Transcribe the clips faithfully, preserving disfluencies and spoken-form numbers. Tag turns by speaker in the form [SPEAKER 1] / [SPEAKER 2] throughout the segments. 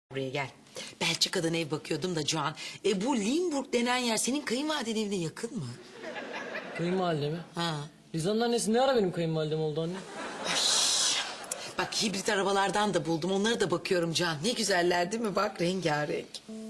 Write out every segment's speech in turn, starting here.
[SPEAKER 1] Buraya gel. Belçika'dan ev bakıyordum da Can. E bu Limburg denen yer senin kayınvalidenin evine yakın mı?
[SPEAKER 2] Kayınvalide mi?
[SPEAKER 1] Ha.
[SPEAKER 2] Lizan'ın annesi ne ara benim kayınvalidem oldu anne?
[SPEAKER 1] Bak hibrit arabalardan da buldum. Onlara da bakıyorum Can. Ne güzeller değil mi? Bak rengarenk.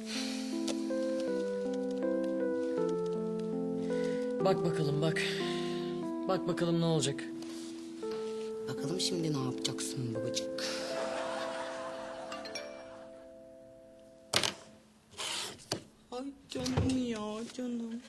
[SPEAKER 2] Bak bakalım bak. Bak bakalım ne olacak.
[SPEAKER 1] Bakalım şimdi ne yapacaksın babacık? Ay canım ya canım.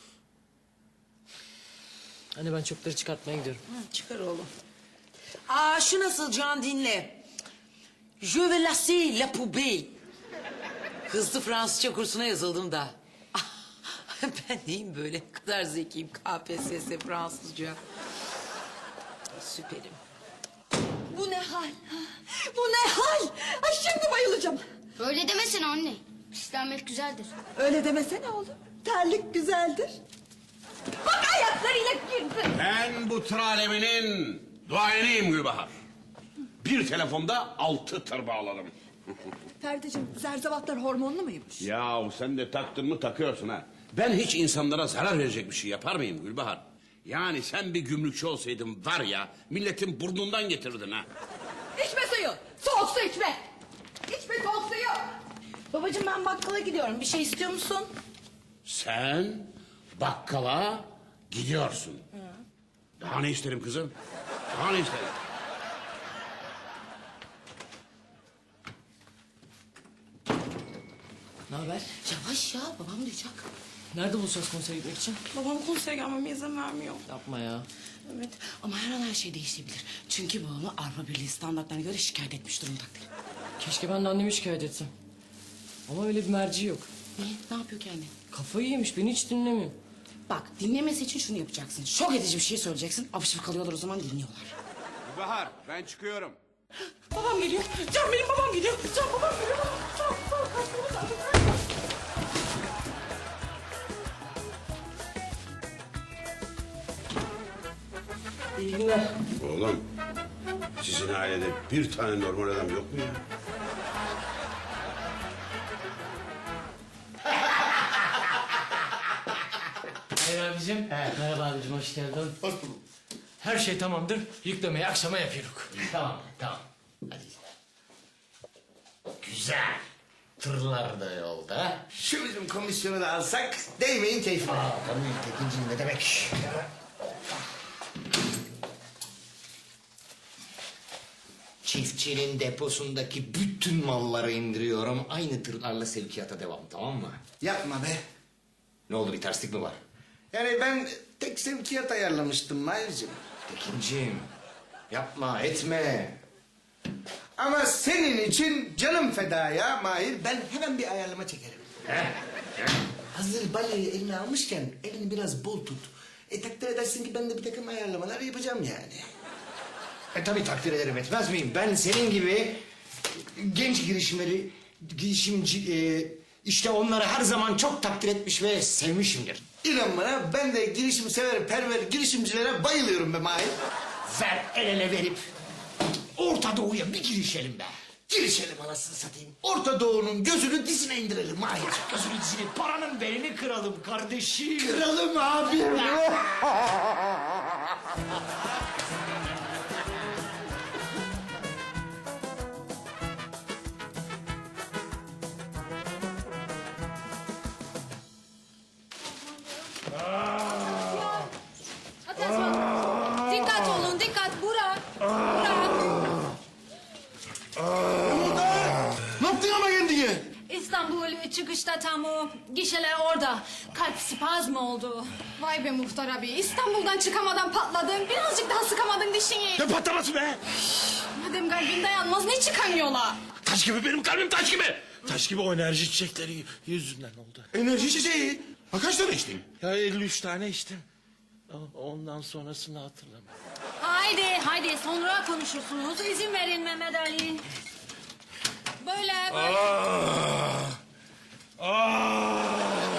[SPEAKER 2] Anne ben çöpleri çıkartmaya gidiyorum.
[SPEAKER 1] Hı, çıkar oğlum. Aa şu nasıl Can dinle. Je vais lasser la poubelle. Hızlı Fransızca kursuna yazıldım da. Ben neyim böyle? Ne kadar zekiyim. K P S S Fransızca. Süperim.
[SPEAKER 3] Bu ne hal? Bu ne hal? Ay şimdi bayılacağım.
[SPEAKER 4] Öyle demesene anne. Pislenmek güzeldir.
[SPEAKER 3] Öyle demesene oğlum. Terlik güzeldir. Bak ayaklarıyla girdi.
[SPEAKER 5] Ben bu tır aleminin duayeniyim Gülbahar. Bir telefonda altı tır bağladım.
[SPEAKER 3] Ferdiciğim zerzevatlar hormonlu muymuş?
[SPEAKER 5] Yahu sen de taktın mı takıyorsun ha. Ben hiç insanlara zarar verecek bir şey yapar mıyım Gülbahar? Yani sen bir gümrükçü olsaydın var ya milletin burnundan getirirdin ha.
[SPEAKER 3] İçme suyu. Soğuk su içme. İçme soğuk suyu.
[SPEAKER 1] Babacığım ben bakkala gidiyorum. Bir şey istiyor musun?
[SPEAKER 5] Sen bakkala gidiyorsun. Daha ne isterim kızım? Daha ne isterim?
[SPEAKER 2] Ne haber?
[SPEAKER 1] Yavaş ya babam duyacak.
[SPEAKER 2] Nerede buluşacağız konsere gitmek için?
[SPEAKER 6] Babam konsere gelmeme izin vermiyor.
[SPEAKER 2] Yapma ya.
[SPEAKER 1] Evet ama her an her şey değişebilir. Çünkü babamı Avrupa Birliği standartlarına göre şikayet etmiş durumdadır.
[SPEAKER 2] Keşke ben de annemi şikayet etsem. Ama öyle bir merci yok.
[SPEAKER 1] Niye? Ne yapıyor ki anne?
[SPEAKER 2] Kafayı yemiş beni hiç dinlemiyor.
[SPEAKER 1] Bak dinlemesi için şunu yapacaksın. Şok edici bir şey söyleyeceksin. Apışıp kalıyorlar o zaman dinliyorlar.
[SPEAKER 5] Gülbahar ben çıkıyorum.
[SPEAKER 6] Babam geliyor. Can benim babam geliyor. Can babam geliyor. Can, can, kaçmamız lazım.
[SPEAKER 2] İyi günler.
[SPEAKER 5] Oğlum sizin ailede bir tane normal adam yok mu ya?
[SPEAKER 2] Hayır abicim. Merhaba abicim hoş geldin. Hoş bulduk. Her şey tamamdır. Yüklemeyi akşama yapıyoruz.
[SPEAKER 7] Tamam, tamam. Hadi. Güzel. Tırlar da yolda. Şu bizim komisyonu da alsak değmeyin keyfine. Aa, tabii Tekinciğim ne demek? Çiftçinin deposundaki bütün malları indiriyorum. Aynı tırlarla sevkiyata devam, tamam mı?
[SPEAKER 8] Yapma be.
[SPEAKER 7] Ne oldu, bir terslik mi var?
[SPEAKER 8] Yani ben tek sevkiyat ayarlamıştım Mahir'cim.
[SPEAKER 7] Tekinciğim, yapma, etme.
[SPEAKER 8] Ama senin için canım feda ya Mahir. Ben hemen bir ayarlama çekerim. Hazır balayı eline almışken elini biraz bol tut. E takdir edersin ki ben de bir takım ayarlamalar yapacağım yani.
[SPEAKER 7] E tabii takdir ederim, etmez miyim? Ben senin gibi genç girişimleri, girişimci... E, işte onları her zaman çok takdir etmiş ve sevmişimdir.
[SPEAKER 8] İnan bana ben de girişim sever, perver girişimcilere bayılıyorum be Mahir.
[SPEAKER 7] Ver el ele verip Orta Doğu'ya bir girişelim be.
[SPEAKER 8] Girişelim anasını satayım. Orta Doğu'nun gözünü dizine indirelim Mahir.
[SPEAKER 7] Gözünü dizini, paranın belini kıralım kardeşim.
[SPEAKER 8] Kıralım abi.
[SPEAKER 3] Dikkat olun dikkat. Burak. Burak.
[SPEAKER 8] Ne yaptın ama kendine?
[SPEAKER 9] İstanbul çıkışta tam o gişeler orada. Kalp spazmı oldu.
[SPEAKER 3] Vay be muhtar abi. İstanbul'dan çıkamadan patladın. Birazcık daha sıkamadın dişini.
[SPEAKER 5] Ne patlaması be?
[SPEAKER 3] Madem kalbin dayanmaz ne çıkamıyorlar?
[SPEAKER 5] Taş gibi benim kalbim taş gibi.
[SPEAKER 10] Taş gibi o enerji çiçekleri yüzünden oldu.
[SPEAKER 8] Enerji çiçeği. Ha kaç tane içtin?
[SPEAKER 10] Ya elli üç tane içtim. O- Ondan sonrasını hatırlamıyorum.
[SPEAKER 9] Haydi haydi sonra konuşursunuz. İzin verin Mehmet Ali. Böyle böyle.
[SPEAKER 10] Ah! Ah!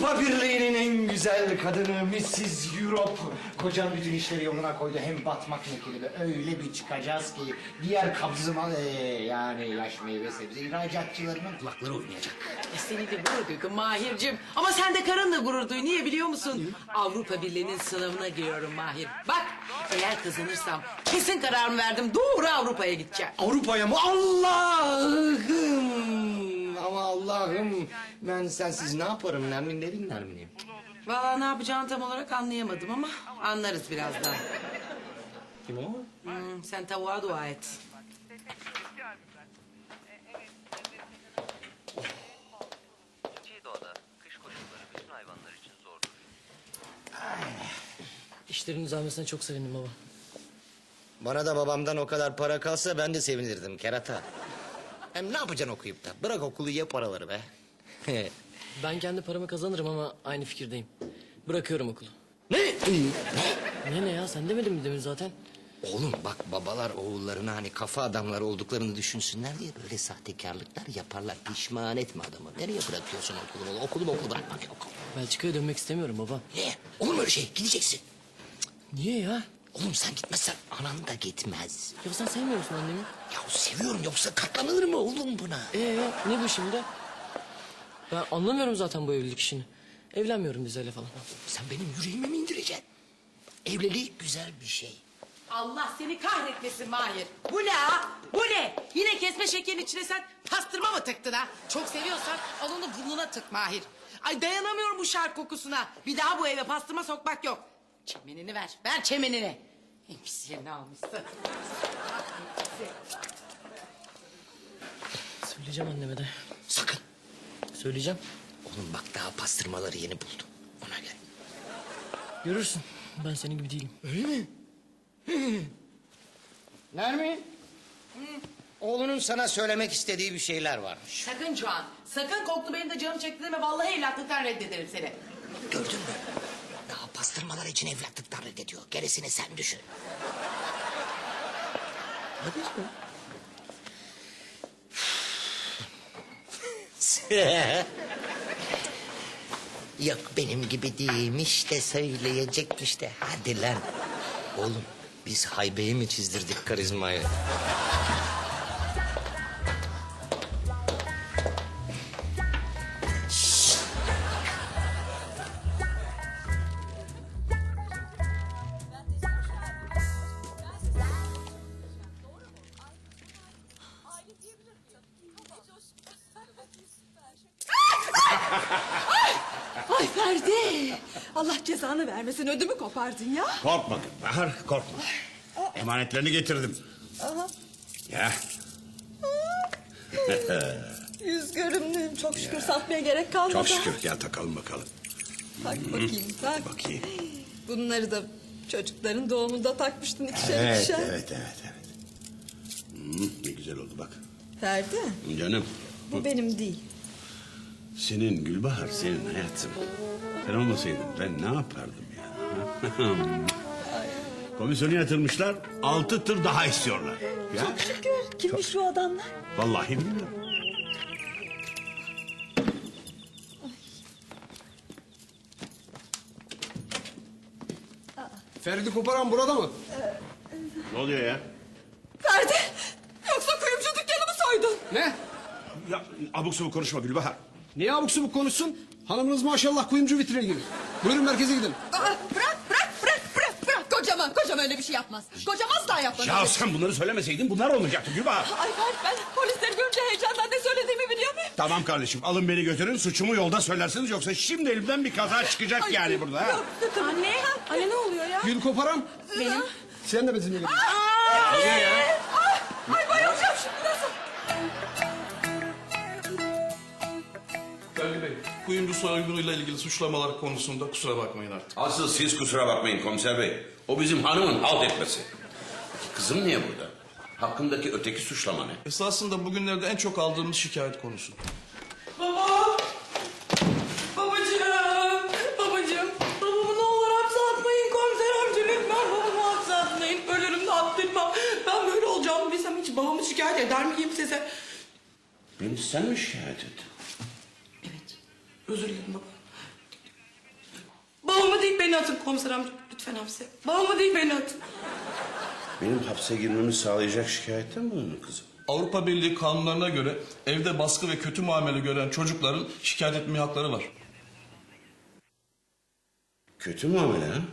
[SPEAKER 7] Avrupa Birliği'nin en güzel kadını missus Europe. Kocam bütün işleri yoluna koydu. Hem batmak mekili öyle bir çıkacağız ki diğer kabzıma ee, yani yaş meyve sebze ihracatçılarının kulakları oynayacak.
[SPEAKER 1] E seni de gurur duydum Mahir'cim. Ama sen de karınla gurur duy. Niye biliyor musun? Avrupa Birliği'nin sınavına giriyorum Mahir. Bak eğer kazanırsam kesin kararımı verdim. Doğru Avrupa'ya gideceğim.
[SPEAKER 7] Avrupa'ya mı? Allah'ım! Ama Allah'ım ben sensiz ne yaparım? Nermin ne dinler miyim?
[SPEAKER 1] Vallahi ne yapacağını tam olarak anlayamadım ama anlarız birazdan.
[SPEAKER 7] Kim o?
[SPEAKER 1] Hmm, sen tavuğa dua et.
[SPEAKER 11] Doğada kış koşulları bütün hayvanlar için zordur.
[SPEAKER 2] İşlerin düzelmesine çok sevindim baba.
[SPEAKER 7] Bana da babamdan o kadar para kalsa ben de sevinirdim kerata. Hem ne yapacaksın okuyup da? Bırak okulu ye paraları be.
[SPEAKER 2] Ben kendi paramı kazanırım ama aynı fikirdeyim. Bırakıyorum okulu.
[SPEAKER 7] Ne?
[SPEAKER 2] Ne ne ya sen demedin mi demin zaten?
[SPEAKER 7] Oğlum bak babalar oğullarına hani kafa adamları olduklarını düşünsünler diye böyle sahtekarlıklar yaparlar. Pişman etme adamı. Nereye bırakıyorsun okulu? Okulu okulu bırakmak yok.
[SPEAKER 2] Belçika'ya dönmek istemiyorum baba.
[SPEAKER 7] Niye? Olur mu öyle şey? Gideceksin.
[SPEAKER 2] Niye ya?
[SPEAKER 7] Oğlum sen gitmezsen anan da gitmez.
[SPEAKER 2] Ya sen sevmiyor musun annemi?
[SPEAKER 7] Ya seviyorum yoksa katlanılır mı oğlum buna?
[SPEAKER 2] Ee ne bu şimdi? Ben anlamıyorum zaten bu evlilik işini. Evlenmiyorum Dizel'le falan.
[SPEAKER 7] Sen benim yüreğime mi indireceksin? Evlilik güzel bir şey.
[SPEAKER 1] Allah seni kahretmesin Mahir. Bu ne ha? Bu ne? Yine kesme şekerin içine sen pastırma mı tıktın ha? Çok seviyorsan al onu burnuna tık Mahir. Ay dayanamıyorum bu şark kokusuna. Bir daha bu eve pastırma sokmak yok. Çemenini ver. Ver çemenini. En pis yerini almışsın.
[SPEAKER 2] Söyleyeceğim anneme de.
[SPEAKER 7] Sakın.
[SPEAKER 2] Söyleyeceğim.
[SPEAKER 7] Oğlum bak daha pastırmaları yeni buldum. Ona göre.
[SPEAKER 2] Görürsün. Ben senin gibi değilim.
[SPEAKER 7] Öyle mi? Nermin? Oğlunun sana söylemek istediği bir şeyler varmış.
[SPEAKER 1] Sakın Can. Sakın koklu benim de canım çekti deme. Vallahi evlatlıktan reddederim seni.
[SPEAKER 7] Gördün mü? Daha pastırmalar için evlatlıktan reddediyor. Gerisini sen düşün. Hadi Yok benim gibi değilmiş de söyleyecekmiş de. Hadi lan. Oğlum biz haybeyi mi çizdirdik karizmayı?
[SPEAKER 3] Ay Ferdi. Allah cezanı vermesin ödümü kopardın ya.
[SPEAKER 5] Korkma Bahar, korkma. Emanetlerini getirdim.
[SPEAKER 3] Aha.
[SPEAKER 5] Ya.
[SPEAKER 3] Yüz görümlüyüm çok şükür satmaya gerek kalmadı.
[SPEAKER 5] Çok şükür. Gel takalım bakalım.
[SPEAKER 3] Tak bakayım tak.
[SPEAKER 5] Bakayım.
[SPEAKER 3] Bunları da çocukların doğumunda takmıştın ikişer
[SPEAKER 5] Evet,
[SPEAKER 3] ikişer.
[SPEAKER 5] evet, evet, evet. Hmm, ne güzel oldu bak.
[SPEAKER 3] Ferdi
[SPEAKER 5] Canım.
[SPEAKER 3] bu benim değil.
[SPEAKER 5] Senin Gülbahar, senin hayatım. Sen olmasaydın ben ne yapardım ya? Komisyonu yatırmışlar, altı tır daha istiyorlar. Ya,
[SPEAKER 3] Çok şükür. Kimmiş şu adamlar?
[SPEAKER 5] vallahi bilmiyorum.
[SPEAKER 8] Ferdi Koparan burada mı?
[SPEAKER 5] Ne oluyor ya?
[SPEAKER 3] Ferdi yoksa kuyumcu dükkanımı soydun.
[SPEAKER 8] Ne?
[SPEAKER 5] Ya abuk sabuk konuşma Gülbahar.
[SPEAKER 8] Niye abuk subuk konuşsun? Hanımınız maşallah kuyumcu vitrine gibi. Buyurun merkeze gidin.
[SPEAKER 3] Aa, bırak bırak bırak bırak bırak. Kocam, kocam öyle bir şey yapmaz. Kocam asla yapmaz.
[SPEAKER 5] Ya sen bunları söylemeseydin bunlar olmayacaktı Gülbahar.
[SPEAKER 3] Ay Ferdi ben polisleri görünce heyecandan ne söylediğimi biliyor muyum?
[SPEAKER 5] Tamam kardeşim alın beni götürün suçumu yolda söylersiniz yoksa şimdi elimden bir kaza çıkacak
[SPEAKER 3] Ay,
[SPEAKER 5] yani burada. Ha?
[SPEAKER 3] yok, Anne, anne ne oluyor ya?
[SPEAKER 8] Gül Koparan.
[SPEAKER 3] Benim.
[SPEAKER 8] Sen de bizimle gel.
[SPEAKER 3] Ay, ay bayılacağım şimdi nasıl?
[SPEAKER 12] Ferdi Bey, kuyumcu soygunuyla ilgili suçlamalar konusunda kusura bakmayın artık.
[SPEAKER 5] Asıl siz kusura bakmayın komiser bey. O bizim hanımın halt etmesi. Kızım niye burada? Hakkındaki öteki suçlama ne?
[SPEAKER 12] Esasında bugünlerde en çok aldığımız şikayet konusu.
[SPEAKER 6] Baba! Babacığım! Babacığım! Babamı ne olur hapse atmayın komiser amca lütfen babamı hapse atmayın. Ölürüm de attırma. Ben böyle olacağımı bilsem hiç babamı şikayet eder miyim size?
[SPEAKER 5] Beni sen mi şikayet ettin?
[SPEAKER 6] Evet. Özür dilerim baba. Babamı değil beni atın komiser amca. Lütfen hapse. Babamı değil beni atın.
[SPEAKER 5] Benim hapse girmemi sağlayacak şikayette mi bulundun kızım?
[SPEAKER 12] Avrupa Birliği kanunlarına göre evde baskı ve kötü muamele gören çocukların şikayet etme hakları var.
[SPEAKER 5] Kötü muamele ha?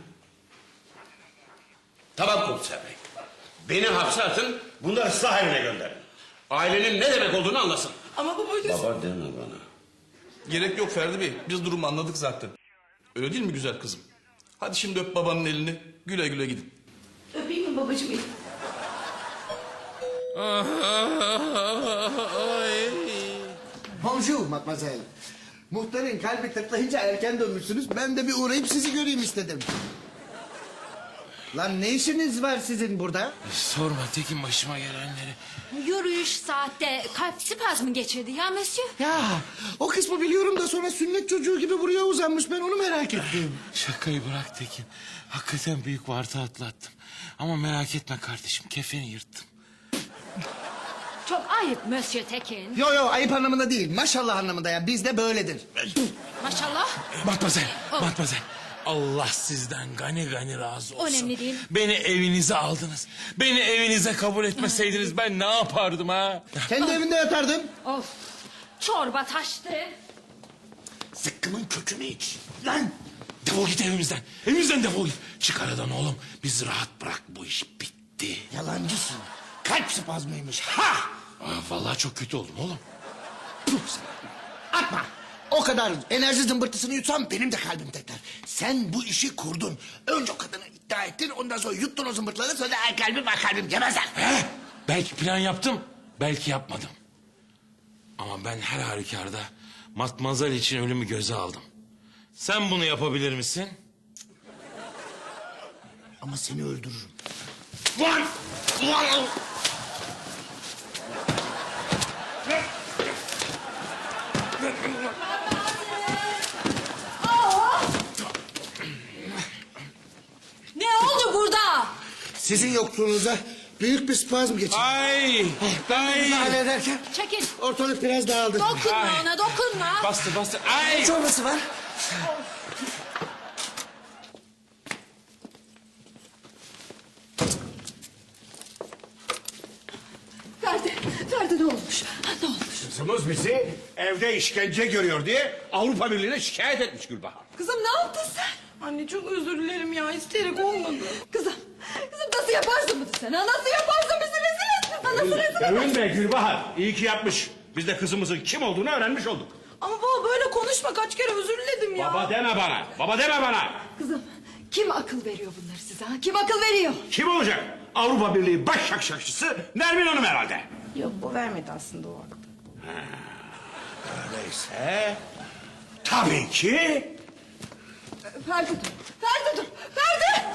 [SPEAKER 5] Tamam komiser bey. Beni hapse atın, bunları ıslah evine gönderin. Ailenin ne demek olduğunu anlasın.
[SPEAKER 6] Ama babacığım...
[SPEAKER 5] Baba deme bana.
[SPEAKER 12] Gerek yok Ferdi Bey. Biz durumu anladık zaten. Öyle değil mi güzel kızım? Hadi şimdi öp babanın elini. Güle güle gidin.
[SPEAKER 6] Öpeyim mi babacığım?
[SPEAKER 8] Bonjour mademoiselle. Muhtarın kalbi tıklayınca erken dönmüşsünüz. Ben de bir uğrayıp sizi göreyim istedim. Lan ne işiniz var sizin burada?
[SPEAKER 10] Sorma Tekin başıma gelenleri.
[SPEAKER 9] Yürüyüş saatte kalp spazmı geçirdi ya monsieur.
[SPEAKER 8] Ya o kısmı biliyorum da sonra sünnet çocuğu gibi buraya uzanmış. Ben onu merak ettim.
[SPEAKER 10] Şakayı bırak Tekin. Hakikaten büyük varta atlattım. Ama merak etme kardeşim kefeni yırttım.
[SPEAKER 9] Çok ayıp monsieur Tekin.
[SPEAKER 8] Yo yo ayıp anlamında değil. Maşallah anlamında ya. Bizde böyledir.
[SPEAKER 9] Maşallah.
[SPEAKER 10] Matmazel, matmazel. Allah sizden gani gani razı olsun.
[SPEAKER 9] Önemli değil.
[SPEAKER 10] Beni evinize aldınız. Beni evinize kabul etmeseydiniz ben ne yapardım ha?
[SPEAKER 8] Kendi evinde yatardın.
[SPEAKER 9] Of. Çorba taştı.
[SPEAKER 10] Zıkkımın kökünü iç. Lan! Defol git evimizden. Evimizden defol git. Çık aradan oğlum. Bizi rahat bırak. Bu iş bitti.
[SPEAKER 8] Yalancısın. Kalp spazmıymış. Ha!
[SPEAKER 10] Aa, vallahi çok kötü oldum oğlum.
[SPEAKER 8] Puh sana. Atma. O kadar enerji zımbırtısını yutsam benim de kalbim tekrar. Sen bu işi kurdun. Önce o kadını iddia ettin. Ondan sonra yuttun o zımbırtıları. Sonra ay kalbim ay kalbim demezler.
[SPEAKER 10] He? Belki plan yaptım. Belki yapmadım. Ama ben her halükarda Matmazel için ölümü göze aldım. Sen bunu yapabilir misin?
[SPEAKER 8] Ama seni öldürürüm.
[SPEAKER 10] Lan! Lan!
[SPEAKER 9] Ne oldu burada?
[SPEAKER 8] Sizin yokluğunuza büyük bir spazm geçirdim.
[SPEAKER 10] Ay! Ay!
[SPEAKER 8] Bunu hallederken
[SPEAKER 9] Çekil.
[SPEAKER 8] ortalık biraz dağıldı.
[SPEAKER 9] Dokunma
[SPEAKER 10] Ay.
[SPEAKER 9] ona dokunma.
[SPEAKER 10] Bastı bastı. Ay!
[SPEAKER 8] Ne çorbası var?
[SPEAKER 3] Ferdi, Ferdi ne olmuş? Ne olmuş?
[SPEAKER 5] Kızımız bizi evde işkence görüyor diye Avrupa Birliği'ne şikayet etmiş Gülbahar.
[SPEAKER 3] Kızım ne yaptın sen?
[SPEAKER 6] Anne çok özür dilerim ya. İsteyerek olmadı.
[SPEAKER 3] Kızım, kızım nasıl yaparsın bunu sen? Ha? Nasıl yaparsın bizi rezil ettin? Ha? Nasıl rezil ettin?
[SPEAKER 5] Övünme Gülbahar. İyi ki yapmış. Biz de kızımızın kim olduğunu öğrenmiş olduk.
[SPEAKER 6] Ama baba böyle konuşma. Kaç kere özür diledim ya.
[SPEAKER 5] Baba deme bana. Baba deme bana.
[SPEAKER 3] Kızım, kim akıl veriyor bunları size? Ha? Kim akıl veriyor?
[SPEAKER 5] Kim olacak? Avrupa Birliği baş şakşakçısı Nermin Hanım herhalde.
[SPEAKER 6] Yok bu vermedi aslında o aklı.
[SPEAKER 5] Öyleyse tabii ki
[SPEAKER 3] Ferdi dur, Ferdi dur, Ferdi!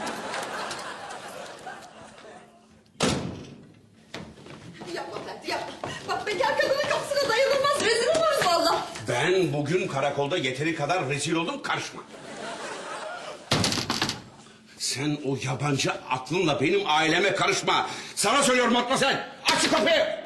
[SPEAKER 3] Yapma Ferdi, yapma. Bak bekar kadının kapısına dayanılmaz, rezil oluruz valla.
[SPEAKER 5] ben bugün karakolda yeteri kadar rezil oldum, karışma. Sen o yabancı aklınla benim aileme karışma. Sana söylüyorum Matmazel. Aç şu kapıyı.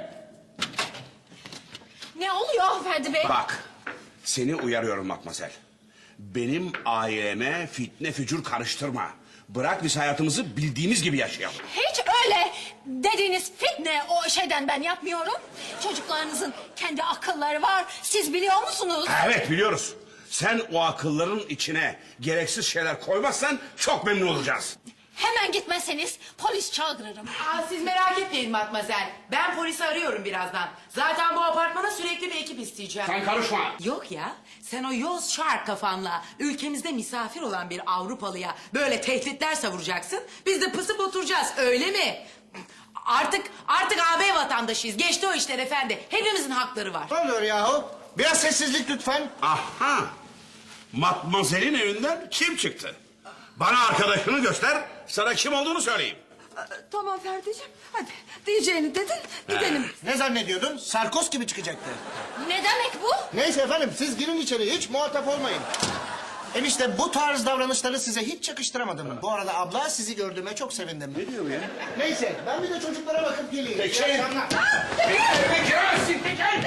[SPEAKER 9] Ne oluyor Ferdi Bey?
[SPEAKER 5] Bak, seni uyarıyorum Matmazel. Benim aileme fitne fücur karıştırma. Bırak biz hayatımızı bildiğimiz gibi yaşayalım.
[SPEAKER 9] Hiç öyle dediğiniz fitne o şeyden ben yapmıyorum. Çocuklarınızın kendi akılları var. Siz biliyor musunuz?
[SPEAKER 5] Evet, biliyoruz. Sen o akılların içine gereksiz şeyler koymazsan çok memnun olacağız.
[SPEAKER 9] Hemen gitmezseniz polis çağırırım.
[SPEAKER 1] Aa, siz merak etmeyin Matmazel. Ben polisi arıyorum birazdan. Zaten bu apartmana sürekli bir ekip isteyeceğim.
[SPEAKER 5] Sen karışma.
[SPEAKER 1] Yok ya, sen o yoz şark kafanla ülkemizde misafir olan bir Avrupalıya böyle tehditler savuracaksın. Biz de pısıp oturacağız, öyle mi? Artık artık A B vatandaşıyız. Geçti o işler efendi. Hepimizin hakları var.
[SPEAKER 8] Ne oluyor yahu? Biraz sessizlik lütfen.
[SPEAKER 5] Aha! Matmazel'in evinden kim çıktı? Bana arkadaşını göster, sana kim olduğunu söyleyeyim.
[SPEAKER 3] Tamam Ferdi'ciğim, hadi diyeceğini dedin, gidelim.
[SPEAKER 8] Ne zannediyordun? Sarkos gibi çıkacaktı.
[SPEAKER 9] Ne demek bu?
[SPEAKER 8] Neyse efendim siz girin içeri hiç muhatap olmayın. Enişte bu tarz davranışları size hiç yakıştıramadım. Bu arada abla sizi gördüğüme çok sevindim.
[SPEAKER 5] Ne diyor ya?
[SPEAKER 8] Neyse ben bir de çocuklara bakıp geleyim.
[SPEAKER 5] Peki.
[SPEAKER 8] İyi akşamlar.
[SPEAKER 5] Benim evime giremezsin, peki.